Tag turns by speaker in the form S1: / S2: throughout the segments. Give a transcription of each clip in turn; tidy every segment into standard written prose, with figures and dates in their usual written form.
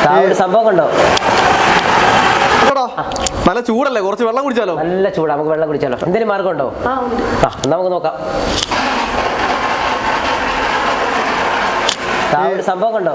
S1: ഒരു സംഭവം കണ്ടോ?
S2: നല്ല ചൂടല്ലേ, കുറച്ച് വെള്ളം കുടിച്ചാലോ?
S1: നല്ല ചൂടാ, നമുക്ക് വെള്ളം കുടിച്ചാലോ? എന്തെങ്കിലും മാർഗം ഉണ്ടോ? നമുക്ക് നോക്കാം. ഒരു സംഭവം കണ്ടോ?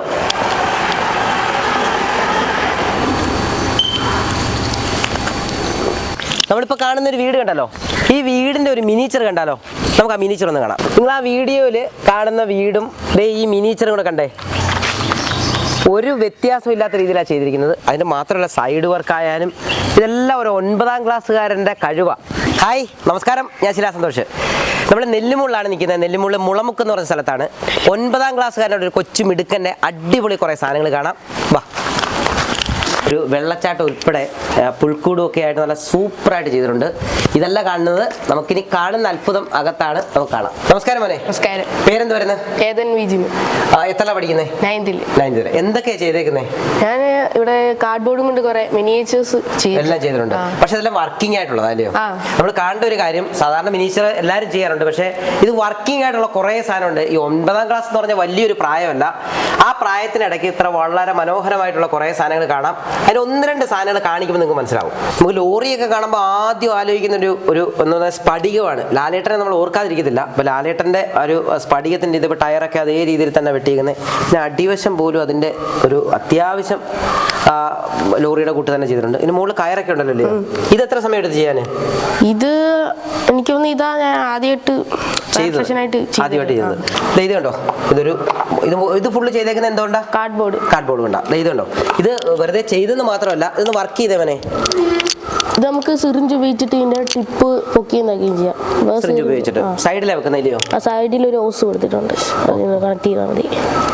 S1: നമ്മളിപ്പോൾ കാണുന്ന ഒരു വീട് കണ്ടല്ലോ, ഈ വീടിൻ്റെ ഒരു മിനിച്ചർ കണ്ടാലോ? നമുക്ക് ആ മിനിച്ചർ ഒന്ന് കാണാം. നിങ്ങൾ ആ വീഡിയോയിൽ കാണുന്ന വീടും ഈ മിനിച്ചറും കൂടെ കണ്ടേ, ഒരു വ്യത്യാസവും ഇല്ലാത്ത രീതിയിലാണ് ചെയ്തിരിക്കുന്നത്. അതിന് മാത്രമല്ല സൈഡ് വർക്ക് ആയാലും ഇതെല്ലാം ഒരു 9ാം ക്ലാസ്സുകാരൻ്റെ കഴിവാണ്. ഹായ്, നമസ്കാരം, ഞാൻ ശിലാ സന്തോഷ്. നമ്മൾ നെല്ലിമുള്ളിലാണ് നിൽക്കുന്നത്. നെല്ലിമുള്ളി മുളമുക്ക് എന്ന് പറഞ്ഞ സ്ഥലത്താണ്. 9ാം ക്ലാസ്സുകാരൻ്റെ ഒരു കൊച്ചു മിടുക്കൻ്റെ അടിപൊളി കുറേ സാധനങ്ങൾ കാണാം. വാ, ഒരു വെള്ളച്ചാട്ടം ഉൾപ്പെടെ പുൽക്കൂടും ഒക്കെ ആയിട്ട് നല്ല സൂപ്പറായിട്ട് ചെയ്തിട്ടുണ്ട്. ഇതെല്ലാം കാണുന്നത് നമുക്കിനി കാണുന്ന അത്ഭുതം അകത്താണ്, നമുക്ക് കാണാം. നമസ്കാരം മോനെ.
S3: നമസ്കാരം.
S1: പേരെന്ത് വരുന്നത്? എത്ര പഠിക്കുന്നത്? 9th. എന്തൊക്കെയാ ചെയ്തേക്കുന്നത്?
S3: ഞാൻ ഇവിടെ കാർഡ്ബോർഡും കൊണ്ട് കുറെ മിനിയേച്ചേഴ്സ്
S1: എല്ലാം ചെയ്തിട്ടുണ്ട്. പക്ഷെ അതെല്ലാം വർക്കിംഗ് ആയിട്ടുള്ളത് അല്ലയോ? നമ്മൾ കാണേണ്ട ഒരു കാര്യം, സാധാരണ മിനിയേച്ചർ എല്ലാവരും ചെയ്യാറുണ്ട്, പക്ഷെ ഇത് വർക്കിംഗ് ആയിട്ടുള്ള കുറേ സാധനമുണ്ട്. ഈ 9ാം ക്ലാസ് എന്ന് പറഞ്ഞാൽ വലിയൊരു പ്രായമല്ല. ആ പ്രായത്തിനിടയ്ക്ക് ഇത്ര വളരെ മനോഹരമായിട്ടുള്ള കുറേ സാധനങ്ങൾ കാണാം. അതിൽ 1-2 സാധനങ്ങൾ കാണിക്കുമ്പോൾ നിങ്ങൾക്ക് മനസ്സിലാവും. നമുക്ക് ലോറിയൊക്കെ കാണുമ്പോൾ ആദ്യം ആലോചിക്കുന്ന ഒരു സ്ഫടികമാണ്. ലാലേട്ടനെ നമ്മൾ ഓർക്കാതിരിക്കത്തില്ല. അപ്പോൾ ലാലേട്ടൻ്റെ ഒരു സ്ഫടികത്തിൻ്റെ ഇതിപ്പോൾ ടയറൊക്കെ അതേ രീതിയിൽ തന്നെ വെട്ടിയിരിക്കുന്നത്. പിന്നെ അടിവശം പോലും അതിൻ്റെ ഒരു അത്യാവശ്യം ലോറിയുടെ കൂട്ട് തന്നെ ചെയ്തിട്ടുണ്ട്. ഇതിന് മുകളിൽ കയറൊക്കെ ഉണ്ടല്ലോ. ഇത് എത്ര സമയം എടുത്ത് ചെയ്യാൻ?
S3: ഇത് എനിക്ക് തോന്നുന്നു ഇതാ ഞാൻ ആദ്യമായിട്ട് ചെയ്തത്.
S1: ഇത് കണ്ടോ, ഇത് ഫുള്ള് ചെയ്തേക്കുന്നത് എന്തുകൊണ്ടാ? കാർഡ്ബോർഡ് കൊണ്ടാ. ഇത് കണ്ടോ, ഇത് വെറുതെ ചെയ്തെന്ന് മാത്രമല്ല, ഇതൊന്ന് വർക്ക് ചെയ്തവനെ.
S3: ഇത് നമുക്ക് സിറിഞ്ച് ഉപയോഗിച്ചിട്ട് ഇതിന്റെ ടിപ്പ് പൊക്കി ചെയ്യാം.
S1: സിറിഞ്ച് ഉപയോഗിച്ചിട്ട് സൈഡിലാണ് വെക്കുന്നില്ലയോ?
S3: ആ സൈഡിൽ ഒരു ഹോസ് കൊടുത്തിട്ടുണ്ട്, അതിന് കണക്ട് ചെയ്താൽ മതി.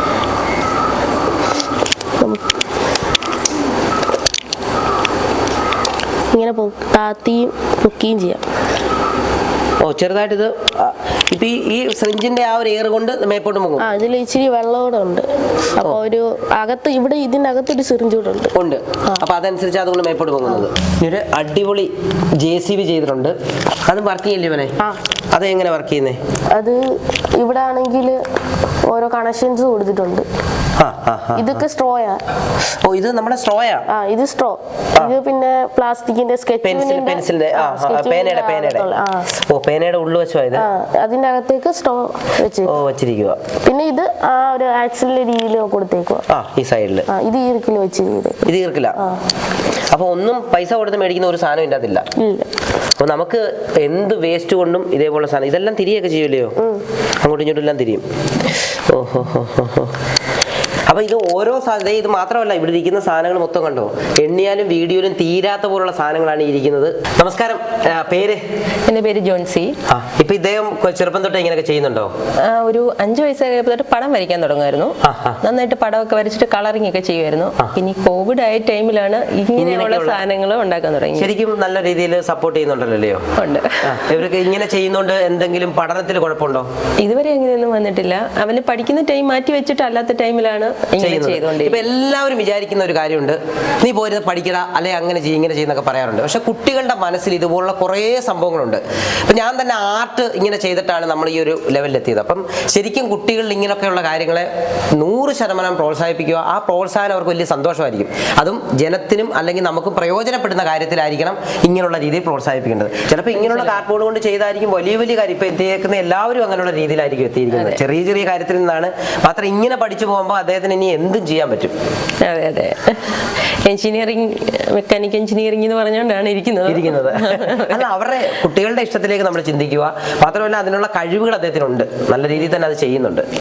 S3: ഇങ്ങനെ താത്തിയും പൊക്കിയും ചെയ്യാം.
S1: ചെറുതായിട്ട് ഇത് ഇപ്പൊ ഈ സിറിഞ്ചിന്റെ ആ ഒരു എയർ കൊണ്ട് മേപ്പോട്ട് പോകും.
S3: ഇതിൽ ഇച്ചിരി വെള്ളം കൂടെ ഉണ്ട്. അപ്പൊ ഒരു അകത്ത് ഇവിടെ ഇതിന്റെ അകത്തൊരു സിറിഞ്ച് കൂടെ ഉണ്ട്.
S1: അപ്പൊ അതനുസരിച്ച് അതുകൊണ്ട് മേപ്പോട്ട് പോകുന്നത്. ഒരു അടിപൊളി JCB ചെയ്തിട്ടുണ്ട്. അത് വർക്ക് ചെയ്യില്ലേ ഇവനെ? അത് എങ്ങനെ വർക്ക് ചെയ്യുന്നേ?
S3: അത് ഇവിടെ ആണെങ്കിൽ ഓരോ കണക്ഷൻസ് കൊടുത്തിട്ടുണ്ട്. ഇതൊക്കെ സ്ട്രോയാ.
S1: ഇത് നമ്മുടെ സ്ട്രോയാ.
S3: ഇത് സ്ട്രോ. ഇത് പിന്നെ പ്ലാസ്റ്റിക്കിന്റെ
S1: പെൻസിലിന്റെ പേനയുടെ ഉള്ളുവശമായത്.
S3: അതിന്റെ അകത്തേക്ക് സ്ട്രോ
S1: വെച്ചിരിക്കുക.
S3: പിന്നെ ഇത് ആ ഒരു ആക്സിലിന്റെ രീതിയിൽ കൊടുത്തേക്കുക.
S1: ഈ സൈഡില്
S3: ഇത് ഈർക്കിൽ വെച്ചിരിക്കുന്നത്.
S1: ഇത് ഈർക്കില്ല. അപ്പൊ ഒന്നും പൈസ കൊടുത്ത് മേടിക്കുന്ന ഒരു സാധനം ഇതിന്റെ അതില്ല. അപ്പൊ നമുക്ക് എന്ത് വേസ്റ്റ് കൊണ്ടും ഇതേപോലെ സാധനം ഇതെല്ലാം തിരിയൊക്കെ ചെയ്യൂലയോ? അങ്ങോട്ടും ഇങ്ങോട്ടും എല്ലാം തിരിയും. അപ്പൊ ഇത് ഓരോ സാധനം, ഇത് മാത്രമല്ല ഇവിടെ ഇരിക്കുന്ന സാധനങ്ങൾ മൊത്തം കണ്ടോ, എണ്ണിയാലും വീഡിയോയിലും തീരാത്ത പോലുള്ള സാധനങ്ങളാണ് ഇരിക്കുന്നത്. നമസ്കാരം, പേര്?
S4: എന്റെ പേര് ജോൺസി.
S1: ഇപ്പൊ ഇദ്ദേഹം ചെറുപ്പം തൊട്ട് ഇങ്ങനെയൊക്കെ ചെയ്യുന്നുണ്ടോ?
S4: ഒരു 5 വയസ്സായപ്പോൾ തൊട്ട് പടം വരയ്ക്കാൻ തുടങ്ങുമായിരുന്നു. നന്നായിട്ട് പടമൊക്കെ വരച്ചിട്ട് കളറിംഗ് ഒക്കെ ചെയ്യുമായിരുന്നു. ഇനി കോവിഡ് ആയ ടൈമിലാണ് ഇങ്ങനെയുള്ള സാധനങ്ങൾ ഉണ്ടാക്കാൻ തുടങ്ങി.
S1: ശരിക്കും നല്ല രീതിയിൽ സപ്പോർട്ട് ചെയ്യുന്നുണ്ടല്ലോ? ഉണ്ട്. ഇവർക്ക് ഇങ്ങനെ ചെയ്യുന്നോണ്ട് എന്തെങ്കിലും പഠനത്തിൽ കുഴപ്പമുണ്ടോ?
S4: ഇതുവരെ അങ്ങനെയൊന്നും വന്നിട്ടില്ല. അവന് പഠിക്കുന്ന ടൈം മാറ്റി വെച്ചിട്ട് അല്ലാത്ത ടൈമിലാണ്
S1: ഇപ്പൊ എല്ലാവരും വിചാരിക്കുന്ന ഒരു കാര്യമുണ്ട്, നീ പോരുന്നത് പഠിക്കട, അല്ലെ അങ്ങനെ ചെയ്യും ഇങ്ങനെ ചെയ്യുന്നൊക്കെ പറയാറുണ്ട്. പക്ഷെ കുട്ടികളുടെ മനസ്സിൽ ഇതുപോലുള്ള കുറേ സംഭവങ്ങളുണ്ട്. അപ്പൊ ഞാൻ തന്നെ ആർട്ട് ഇങ്ങനെ ചെയ്തിട്ടാണ് നമ്മൾ ഈ ഒരു ലെവലിലെത്തിയത്. അപ്പം ശരിക്കും കുട്ടികളിൽ ഇങ്ങനെയൊക്കെയുള്ള കാര്യങ്ങളെ 100% പ്രോത്സാഹിപ്പിക്കുക. ആ പ്രോത്സാഹനം അവർക്ക് വലിയ സന്തോഷമായിരിക്കും. അതും ജനത്തിനും അല്ലെങ്കിൽ നമുക്ക് പ്രയോജനപ്പെടുന്ന കാര്യത്തിലായിരിക്കണം ഇങ്ങനെയുള്ള രീതിയിൽ പ്രോത്സാഹിപ്പിക്കേണ്ടത്. ചിലപ്പോൾ ഇങ്ങനെയുള്ള കാർഡ്ബോർഡ് കൊണ്ട് ചെയ്തായിരിക്കും വലിയ വലിയ കാര്യം. ഇപ്പൊ എത്തിയേക്കുന്ന എല്ലാവരും അങ്ങനെയുള്ള രീതിയിലായിരിക്കും എത്തിയിരിക്കുന്നത്. ചെറിയ ചെറിയ കാര്യത്തിൽ നിന്നാണ് മാത്രം ഇങ്ങനെ പഠിച്ചു പോകുമ്പോൾ അദ്ദേഹത്തിന് ഇനി എന്തും ചെയ്യാൻ പറ്റും.
S4: അതെ അതെ, എഞ്ചിനീയറിംഗ്, മെക്കാനിക്കൽ എഞ്ചിനീയറിംഗ് എന്ന് പറഞ്ഞുകൊണ്ടാണ് ഇരിക്കുന്നത്.
S1: അല്ല, അവരുടെ കുട്ടികളുടെ ഇഷ്ടത്തിലേക്ക് നമ്മൾ ചിന്തിക്കുക. മാത്രമല്ല അതിനുള്ള കഴിവുകൾ അദ്ദേഹത്തിനുണ്ട്. നല്ല രീതിയിൽ തന്നെ അത് ചെയ്യുന്നുണ്ട്.